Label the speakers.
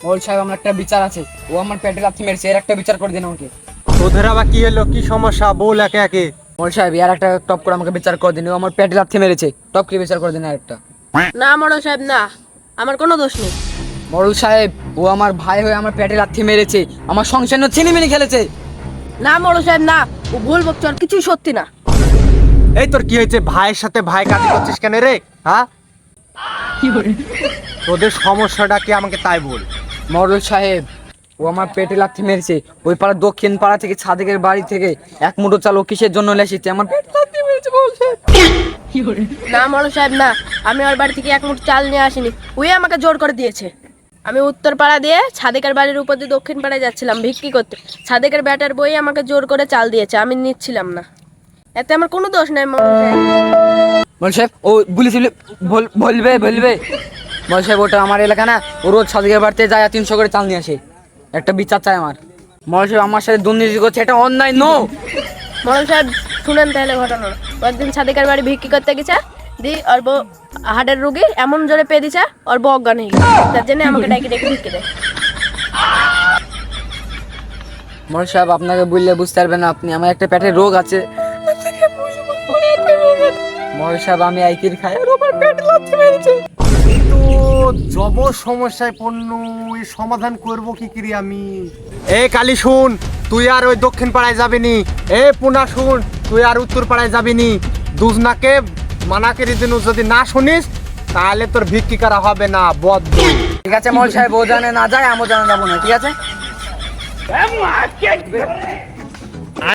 Speaker 1: মোড়ল সাহেব, আমার একটা বিচার আছে। ও আমার পেটে লাথি মেরেছে, এর একটা বিচার করে দিন আমাকে।
Speaker 2: তোদের আবার কি হলো, কি সমস্যা বল একে একে।
Speaker 1: মোড়ল সাহেব, এর একটা টপ করে আমাকে বিচার করে দিন। ও আমার পেটে লাথি মেরেছে, টপ করে বিচার করে দিন আর একটা।
Speaker 3: না মোড়ল সাহেব না, আমার কোনো দোষ নেই।
Speaker 1: মোড়ল সাহেব, ও আমার ভাই হয়ে আমার পেটে লাথি মেরেছে, আমার সংসার নিয়ে ছিনিমিনি খেলেছে।
Speaker 3: না মোড়ল সাহেব না, ও ভুল বকছে, আর কিছুই সত্যি না।
Speaker 2: এই তোর কি হয়েছে, ভাইয়ের সাথে ভাই কাজ করছিস কেন রে? হ্যাঁ, তোদের সমস্যাটা কি আমাকে তাই বল।
Speaker 1: মোড়ল সাহেব, ও আমার পেটে লাথি মেরেছে। ওই পাড়া দক্ষিণ পাড়া থেকে সাদেকের বাড়ি থেকে এক মুঠো চাল ও কিসের জন্য লেসেছে, আমার পেটে লাথি মেরেছে মোড়ল সাহেব।
Speaker 3: না মোড়ল সাহেব না, আমি ওর বাড়ি থেকে এক মুঠ চাল নিয়ে আসিনি, ওই আমাকে জোর করে দিয়েছে। আমি উত্তর পাড়া দিয়ে সাদেকের বাড়ির উপর দিয়ে দক্ষিণ পাড়ায় যাচ্ছিলাম ভিক্ষি করতে। সাদেকের ব্যাটার বই আমাকে জোর করে চাল দিয়েছে, আমি নিচ্ছিলাম না। এতে আমার কোনো দোষ নাই মোড়ল সাহেব।
Speaker 1: মোড়ল সাহেব, ও বলেছিল বলবে বলবে। মোড়ল সাহেব, ওটা আমার এলাকা না, ও রোজ সাদেকের বাড়িতে যায় 300 করে চাল নিয়ে আসে। একটা বিচার চাই আমার। মোড়ল সাহেব, আমার সাথে দুর্নীতি করছে, এটা অন্যায়। নো
Speaker 3: মোড়ল সাহেব শুনেন তাহলে ঘটনা। কয়েকদিন সাদেকের বাড়ি ভিক্ষি করতে গেছে, দি ওর বউ হার্টের রুগী, এমন জোরে পেয়ে দিছে ওর বউ অজ্ঞান হয়ে গেছে। তার জন্য আমাকে ডাকি ডেকে ভিক্ষি দেয়।
Speaker 1: মোড়ল সাহেব, আপনাকে বললে বুঝতে পারবেন না আপনি, আমার একটা পেটের রোগ আছে। মোড়ল সাহেব, আমি আইকির খাই আর আমার পেট লাথি মেরেছে।
Speaker 2: এই তো জব সমস্যায় পণ্য, এই সমাধান করব কি করি আমি। এ কালী শুন, তুই আর ওই দক্ষিণ পাড়ায় যাবি নি। এ পুনা শুন, তুই আর উত্তর পাড়ায় যাবি নি। দুজনাকে মানা করে দিন, যদি না শুনিস তাহলে তোর ভিক্ষি করা হবে না, বদ্ধ।
Speaker 1: ঠিক আছে মোড়ল সাহেব, ও জানে না যায়, আমিও জানে যাবো না, ঠিক আছে।